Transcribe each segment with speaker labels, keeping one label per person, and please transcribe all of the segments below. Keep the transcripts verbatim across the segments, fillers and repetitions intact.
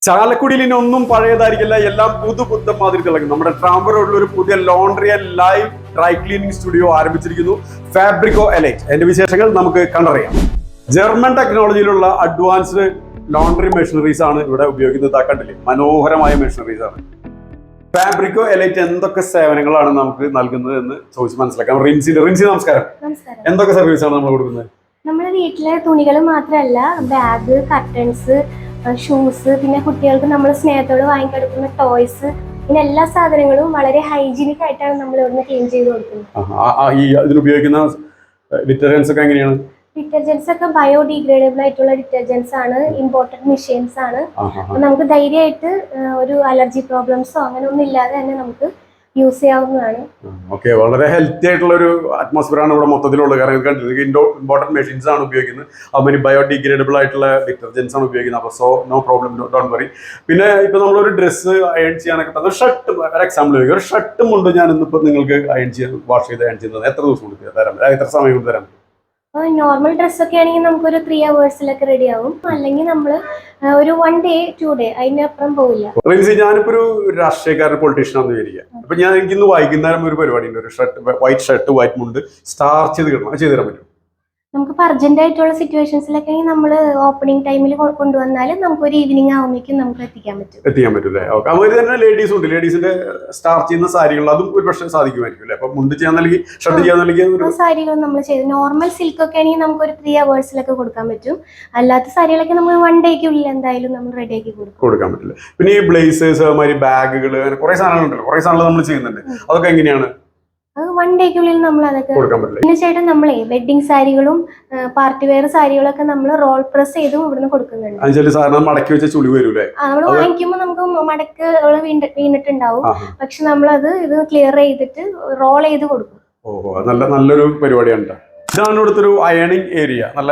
Speaker 1: ചാലക്കുടിയിൽ ഇനി ഒന്നും പഴയതായിരിക്കില്ല, എല്ലാം പുതുപുത്തൻ മാതിരി തിളങ്ങും. നമ്മുടെ ട്രാംബർ റോഡിൽ ഒരു പുതിയ laundry and live dry cleaning studio ആരംഭിച്ചിരിക്കുന്നു, ഫാബ്രിക്കോ എലൈറ്റ്. എന്റെ വിശേഷങ്ങൾ നമുക്ക് കണ്ടറിയാം. ജർമ്മൻ ടെക്നോളജിയിലുള്ള അഡ്വാൻസ്ഡ് ലോണ്ടറി മെഷീനറീസ് ആണ് ഇവിടെ ഉപയോഗിക്കുന്നത്. കണ്ടില്ലേ, മനോഹരമായ മെഷീനറീസ് ആണ്. ഫാബ്രിക്കോ എലൈറ്റ് എന്തൊക്കെ സേവനങ്ങളാണ് നമുക്ക് നൽകുന്നത് എന്ന് ചോദിച്ച് മനസ്സിലാക്കാം. റിൻസി റിൻസി നമസ്കാരം. എന്തൊക്കെ സർവീസ് ആണ് നമ്മൾ കൊടുക്കുന്നത്?
Speaker 2: നമ്മുടെ വീട്ടിലെ തുണികൾ മാത്രമല്ല, ബാഗ്, കർട്ടൻസ്, ഷൂസ്, പിന്നെ കുട്ടികൾക്ക് നമ്മൾ സ്നേഹത്തോട് വാങ്ങിക്കെടുക്കുന്ന ടോയ്സ്, പിന്നെ എല്ലാ സാധനങ്ങളും വളരെ ഹൈജീനിക് ആയിട്ടാണ് നമ്മൾ ഇവിടുന്ന് ക്ലീൻ ചെയ്ത് കൊടുക്കുന്നത്.
Speaker 1: ഈ ഇതിനുപയോഗിക്കുന്ന ഡിറ്റർജൻസ് ഒക്കെ എങ്ങനെയാണ്?
Speaker 2: ഡിറ്റർജൻസ് ഒക്കെ ബയോഡിഗ്രേഡബിൾ ആയിട്ടുള്ള ഡിറ്റർജൻസ് ആണ്, ഇമ്പോർട്ടഡ് മെഷീൻസ് ആണ്. നമുക്ക് ധൈര്യമായിട്ട് ഒരു അലർജി പ്രോബ്ലംസോ അങ്ങനെ ഒന്നും ഇല്ലാതെ തന്നെ നമുക്ക് യൂസ് ചെയ്യാവുന്നതാണ്.
Speaker 1: ഓക്കെ, വളരെ ഹെൽത്തി ആയിട്ടുള്ള ഒരു അറ്റ്മോസ്ഫിയർ ആണ് ഇവിടെ മൊത്തത്തിലുള്ളത്. കാരണം ഇത് കണ്ടിട്ട് ഇമ്പോർട്ടന്റ് മെഷീൻസ് ആണ് ഉപയോഗിക്കുന്നത്, അതുമാതിരി ബയോഡിഗ്രേഡബിൾ ആയിട്ടുള്ള ഡിറ്റർജൻസ് ആണ് ഉപയോഗിക്കുന്നത്. അപ്പോൾ so no problem, don't worry. പിന്നെ ഇപ്പൊ നമ്മളൊരു ഡ്രസ്സ് അയൺ ചെയ്യാനൊക്കെ തന്നെ ഷർട്ട്, ഒരു എക്സാമ്പിൾ ചോദിക്കും, ഒരു ഷർട്ടും കൊണ്ട് ഞാൻ ഇന്നിപ്പോ നിങ്ങൾക്ക് അയൺ ചെയ്യാൻ വാഷ് ചെയ്ത് അയൺ ചെയ്യുന്നത് എത്ര ദിവസം കൊണ്ട് തരാം, എത്ര സമയം കൊണ്ട് തരാം?
Speaker 2: നോർമൽ ഡ്രസ്സൊക്കെ ആണെങ്കിൽ നമുക്കൊരു ത്രീ അവേഴ്സിലൊക്കെ റെഡി ആവും. അല്ലെങ്കിൽ നമ്മൾ ഒരു വൺ ഡേ ടു ഡേ അതിനപ്പുറം പോവില്ല.
Speaker 1: റിൻസി, ഞാനിപ്പോ ഒരു രാഷ്ട്രീയക്കാരൻ പൊളിറ്റീഷ്യൻ ആണെന്ന് വിചാരിക്കുക. അപ്പൊ ഞാൻ എനിക്കിന്ന് വൈകുന്നേരം ഒരു പരിപാടി ഉണ്ട്, ഒരു ഷർട്ട്, വൈറ്റ് ഷർട്ട് വൈറ്റ് മുണ്ട് സ്റ്റാർച്ച് ചെയ്ത് കിട്ടണം, അത് ചെയ്ത് തരാൻ പറ്റും?
Speaker 2: നമുക്ക് അർജന്റ് ആയിട്ടുള്ള സിറ്റുവേഷൻസിലൊക്കെ നമ്മൾ ഓപ്പണിംഗ് ടൈമിൽ കൊണ്ടുവന്നാൽ നമുക്ക് ഒരു ഈവനിങ് ആവുമ്പോഴേക്കും നമുക്ക് എത്തിക്കാൻ പറ്റും.
Speaker 1: എത്തിക്കാൻ പറ്റൂല്ലേ? ഓക്കെ. അതുപോലെ തന്നെ ലേഡീസും ഉണ്ട്, ലേഡീസിന്റെ സ്റ്റാർച്ച് ചെയ്യുന്ന സാരികൾ അതും ഒരു പക്ഷേ സാധിക്കുമായിരിക്കും അല്ലേ? അപ്പൊ മുണ്ട് ചെയ്യാൻ നൽകി, ഷർട്ട് ചെയ്യാൻ നൽകി
Speaker 2: സാരികൾ നമ്മൾ ചെയ്ത് നോർമൽ സിൽക്ക് ഒക്കെ ആണെങ്കിൽ നമുക്ക് ഒരു ത്രീ അവേഴ്സിലൊക്കെ കൊടുക്കാൻ പറ്റും. അല്ലാത്ത സാരികളൊക്കെ നമ്മൾ വൺ ഡേക്കുള്ളിൽ എന്തായാലും നമ്മൾ റെഡി ആക്കി കൊടുക്കും
Speaker 1: കൊടുക്കാൻ പറ്റില്ല. പിന്നെ ഈ ബ്ലേസേഴ്സ്, അതുമാതിരി ബാഗുകൾ, അങ്ങനെ കുറെ സാധനങ്ങളുണ്ടല്ലോ, കുറെ സാധനങ്ങൾ നമ്മൾ ചെയ്യുന്നുണ്ട്. അതൊക്കെ എങ്ങനെയാണ്?
Speaker 2: അത് വൺ ഡേക്കുള്ളിൽ നമ്മൾ അതൊക്കെ കൊടുക്കാൻ പറ്റില്ല. പിന്നെ ചേട്ടൻ നമ്മളെ വെഡിങ് സാരികളും പാർട്ടി വെയർ സാരികളൊക്കെ നമ്മൾ റോൾ പ്രസ് ചെയ്തും ഇവിടുന്ന് കൊടുക്കുന്നുണ്ട്.
Speaker 1: മടക്കി വെച്ച ചുളി വരൂലേ?
Speaker 2: നമ്മൾ വാങ്ങിക്കുമ്പോൾ നമുക്ക് മടക്ക് വീണിട്ടുണ്ടാവും, പക്ഷെ നമ്മളത് ഇത് ക്ലിയർ ചെയ്തിട്ട് റോൾ ചെയ്ത് കൊടുക്കും.
Speaker 1: ഓഹോ, നല്ല നല്ലൊരു പരിപാടിയാണ്. ഇതാണ് ഇവിടുത്തെ ഒരു അയണിങ് ഏരിയ. നല്ല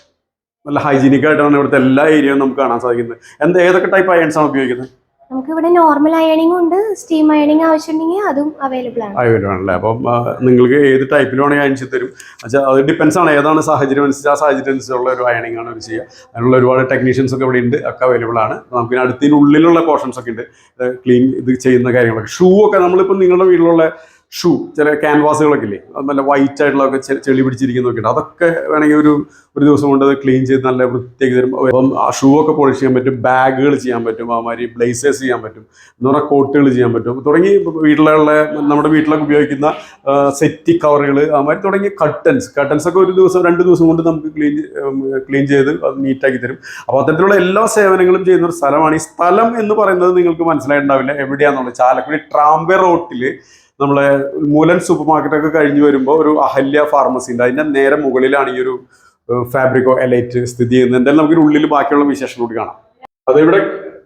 Speaker 1: നല്ല ഹൈജീനിക് ആയിട്ടാണ് ഇവിടുത്തെ എല്ലാ ഏരിയയും നമുക്ക് കാണാൻ സാധിക്കുന്നത്. എന്താ, ഏതൊക്കെ ടൈപ്പ് അയൺസ് ആണ് ഉപയോഗിക്കുന്നത്?
Speaker 2: നമുക്ക് ഇവിടെ നോർമൽ അയണിംഗ് ഉണ്ട്, സ്റ്റീം അയണിംഗ് ആവശ്യമുണ്ടെങ്കിൽ അതും അവൈലബിൾ ആണ്.
Speaker 1: അവൈലബിൾ ആണല്ലേ? അപ്പം നിങ്ങൾക്ക് ഏത് ടൈപ്പിൽ വേണമെങ്കിൽ അയൺ ചെയ്ത് തരും. വെച്ചാൽ അത് ഡിപ്പെൻസ് ആണ്, ഏതാണ് സാഹചര്യം അനുസരിച്ച് ആ സാഹചര്യം അനുസരിച്ചുള്ള ഒരു അയണിംഗ് ആണ് അവർ ചെയ്യുക. അതിനുള്ള ഒരുപാട് ടെക്നീഷ്യൻസ് ഒക്കെ ഇവിടെ ഉണ്ട്, ഒക്കെ അവൈലബിൾ ആണ്. നമുക്ക് അടുത്തതിനുള്ളിലുള്ള പോർഷൻസ് ഒക്കെ ഉണ്ട്, ക്ലീൻ ഇത് ചെയ്യുന്ന കാര്യങ്ങളൊക്കെ. ഷൂ ഒക്കെ നമ്മളിപ്പോൾ നിങ്ങളുടെ വീട്ടിലുള്ള ഷൂ, ചില ക്യാൻവാസുകളൊക്കെ ഇല്ലേ, നല്ല വൈറ്റ് ആയിട്ടുള്ളതൊക്കെ ചെളി പിടിച്ചിരിക്കുന്നതൊക്കെ ഉണ്ട്, അതൊക്കെ വേണമെങ്കിൽ ഒരു ഒരു ദിവസം കൊണ്ട് അത് ക്ലീൻ ചെയ്ത് നല്ല വൃത്തിയാക്കി തരും. അപ്പം ആ ഷൂ ഒക്കെ പോളിഷ് ചെയ്യാൻ പറ്റും, ബാഗുകൾ ചെയ്യാൻ പറ്റും, അതുമാതിരി ബ്ലേസേഴ്സ് ചെയ്യാൻ പറ്റും, എന്ന് പറഞ്ഞാൽ കോട്ടുകൾ ചെയ്യാൻ പറ്റും, തുടങ്ങി വീട്ടിലുള്ള നമ്മുടെ വീട്ടിലൊക്കെ ഉപയോഗിക്കുന്ന സെറ്റി കവറുകൾ, അതുമാതിരി തുടങ്ങി കർട്ടൻസ് കർട്ടൻസ് ഒക്കെ ഒരു ദിവസം രണ്ട് ദിവസം കൊണ്ട് നമുക്ക് ക്ലീൻ ക്ലീൻ ചെയ്ത് അത് നീറ്റാക്കി തരും. അപ്പോൾ അത്തരത്തിലുള്ള എല്ലാ സേവനങ്ങളും ചെയ്യുന്ന ഒരു സ്ഥലമാണ്. ഈ സ്ഥലം എന്ന് പറയുന്നത് നിങ്ങൾക്ക് മനസ്സിലായിട്ടുണ്ടാവില്ല എവിടെയാണെന്നുള്ളത്. ചാലക്കുടി ട്രാംബർ റോട്ടിൽ നമ്മളെ മൂലൻ സൂപ്പർ മാർക്കറ്റൊക്കെ കഴിഞ്ഞ് വരുമ്പോൾ ഒരു അഹല്യ ഫാർമസി ഉണ്ട്, അതിന്റെ നേരെ മുകളിലാണ് ഈ ഒരു ഫാബ്രിക്കോ എലൈറ്റ് സ്ഥിതി ചെയ്യുന്നത്. എന്തായാലും നമുക്ക് ഉള്ളിൽ ബാക്കിയുള്ള വിശേഷം കൂടി കാണാം. അത് ഇവിടെ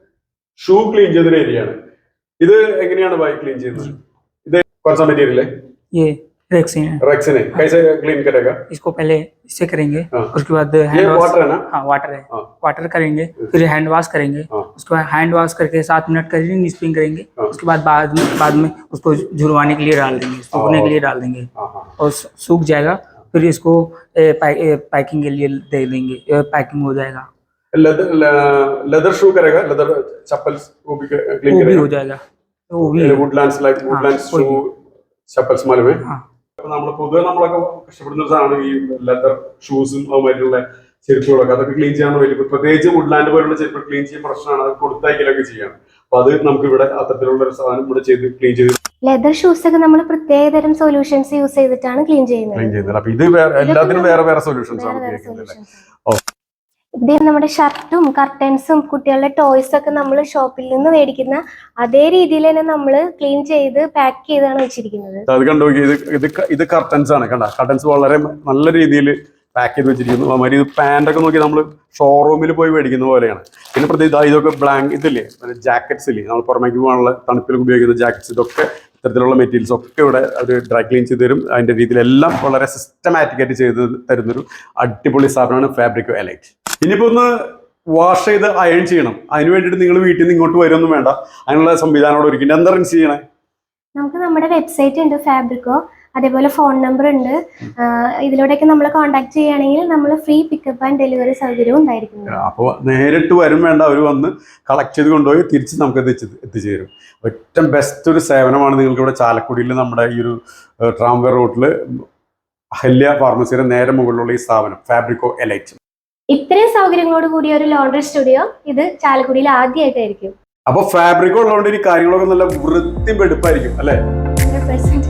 Speaker 1: ഷൂ ക്ലീൻ ചെയ്തൊരു ഏരിയ ആണ്. ഇത് എങ്ങനെയാണ് ബൈക്ക് ക്ലീൻ ചെയ്യുന്നത്? ഇത് കുറച്ച് മെറ്റീരിയൽ
Speaker 3: रेक्सिन है।
Speaker 1: रेक्सिन है, कैसे क्लीन करेगा?
Speaker 3: इसको पहले इससे करेंगे, उसके बाद
Speaker 1: ये वाटर है ना?
Speaker 3: हाँ वाटर है, वाटर करेंगे, फिर हैंड वॉश करेंगे, उसके बाद हैंड वॉश करके सात मिनट करेंगे, स्पिन करेंगे, उसके बाद बाद में बाद में उसको झुरवाने के लिए डाल देंगे, सूखने के लिए डाल देंगे और सूख जाएगा, फिर इसको पैकिंग के लिए दे देंगे, पैकिंग हो जाएगा।
Speaker 1: लेदर लेदर शू करेगा, लेदर चप्पल वो भी क्लीन
Speaker 3: करेगा, वो भी हो जाएगा, वो भी
Speaker 1: वुडलैंड्स लाइक वुडलैंड्स शू चप्पल्स मालूम है? നമ്മൾ പൊതുവെ നമ്മളൊക്കെ കഷ്ടപ്പെടുന്ന ഒരു സാധനമാണ് ഈ ലെതർ ഷൂസും അതുമായിട്ടുള്ള ചെരുപ്പുകളൊക്കെ. അതൊക്കെ ക്ലീൻ ചെയ്യാൻ വലിയ, പ്രത്യേകിച്ച് വുഡ്ലാൻഡ് പോലുള്ള ചെരുപ്പ് ക്ലീൻ ചെയ്യാൻ പ്രശ്നമാണ്, അത് കൊടുത്തയക്കലൊക്കെ ചെയ്യാണ്. അപ്പൊ അത് നമുക്ക് ഇവിടെ അത്തരത്തിലുള്ള ഒരു സാധനം ഇവിടെ ചെയ്ത് ക്ലീൻ ചെയ്ത്
Speaker 2: ലെതർ ഷൂസ് ഒക്കെ നമ്മൾ പ്രത്യേക തരം സൊല്യൂഷൻസ് യൂസ് ചെയ്തിട്ടാണ് ക്ലീൻ ചെയ്യുന്നത്.
Speaker 1: ക്ലീൻ ചെയ്യുന്നത്. അപ്പൊ ഇത് എല്ലാത്തിനും വേറെ വേറെ സൊല്യൂഷൻസ് ആണ് ഉപയോഗിക്കുന്നത്.
Speaker 2: ഇത് നമ്മുടെ ഷർട്ടും കർട്ടൻസും കുട്ടികളുടെ ടോയ്സ് ഒക്കെ നമ്മൾ ഷോപ്പിൽ നിന്ന് മേടിക്കുന്ന അതേ രീതിയിൽ തന്നെ നമ്മൾ ക്ലീൻ ചെയ്ത് പാക്ക് ചെയ്താണ് വെച്ചിരിക്കുന്നത്.
Speaker 1: അത് കണ്ടു, ഇത് ഇത് ഇത് കർട്ടൻസ് ആണ്. കണ്ട, കർട്ടൻസ് വളരെ നല്ല രീതിയിൽ പാക്ക് ചെയ്ത് വെച്ചിരിക്കുന്നു. അതുമാതിരി ഇത് പാൻ്റ് ഒക്കെ നോക്കി നമ്മൾ ഷോറൂമിൽ പോയി മേടിക്കുന്ന പോലെയാണ്. പിന്നെ പ്രത്യേകിച്ച് ഇതൊക്കെ ബ്ലാങ്ക് ഇതില്ലേ, ജാക്കറ്റ്സ് ഇല്ലേ, നമ്മൾ പുറമേക്ക് പോകാനുള്ള തണുപ്പിൽ ഉപയോഗിക്കുന്ന ജാക്കറ്റ്സ്, ഇതൊക്കെ ഇത്തരത്തിലുള്ള മെറ്റീരിയൽസ് ഒക്കെ ഇവിടെ അവർ ഡ്രൈ ക്ലീൻ ചെയ്ത് തരും. അതിൻ്റെ രീതിയിലെല്ലാം വളരെ സിസ്റ്റമാറ്റിക് ആയിട്ട് ചെയ്ത് തരുന്നൊരു അടിപൊളി സ്ഥാപനമാണ് ഫാബ്രിക്കോ എലൈറ്റ്. ഇനിയിപ്പോ ഒന്ന് വാഷ് ചെയ്ത് അയൺ ചെയ്യണം, അതിന് വേണ്ടിയിട്ട് നിങ്ങൾ വീട്ടിൽ നിന്ന് ഇങ്ങോട്ട് വരുമൊന്നും വേണ്ട, അതിനുള്ള സംവിധാനം അവിടെ ഒരുക്കിയിട്ട്. എന്താ റിൻസ് ചെയ്യണേ?
Speaker 2: നമുക്ക് നമ്മുടെ വെബ്സൈറ്റ് ഉണ്ട് ഫാബ്രിക്കോ, അതേപോലെ ഫോൺ നമ്പർ ഉണ്ട്. ഇതിലൂടെയൊക്കെ നമ്മൾ കോൺടാക്ട് ചെയ്യുകയാണെങ്കിൽ നമ്മൾ ഫ്രീ പിക്കപ്പ് ആൻഡ് ഡെലിവറി സൗകര്യവും ഉണ്ടായിരിക്കും.
Speaker 1: അപ്പോൾ നേരിട്ട് വരും വേണ്ട, അവർ വന്ന് കളക്ട് ചെയ്ത് കൊണ്ടുപോയി തിരിച്ച് നമുക്ക് എത്തിച്ച് എത്തിച്ചു തരും. ഏറ്റവും ബെസ്റ്റ് ഒരു സേവനമാണ് നിങ്ങൾക്ക് ഇവിടെ ചാലക്കുടിയിൽ നമ്മുടെ ഈ ഒരു ട്രാംവേ റോഡിൽ അഹല്യ ഫാർമസിയുടെ നേരെ മുകളിലുള്ള ഈ സ്ഥാപനം ഫാബ്രിക്കോ എലൈറ്റ്.
Speaker 2: ഇത്രയും സൗകര്യങ്ങളോട് കൂടിയ ഒരു ലോണ്ടറി സ്റ്റുഡിയോ ഇത് ചാലക്കുടിയിൽ ആദ്യമായിട്ടായിരിക്കും.
Speaker 1: അപ്പൊ ഫാബ്രിക്കോ ഉള്ളതുകൊണ്ട് ഈ കാര്യങ്ങളൊക്കെ നല്ല വൃത്തി വെടുപ്പായിരിക്കും അല്ലേ?
Speaker 2: Hundred percent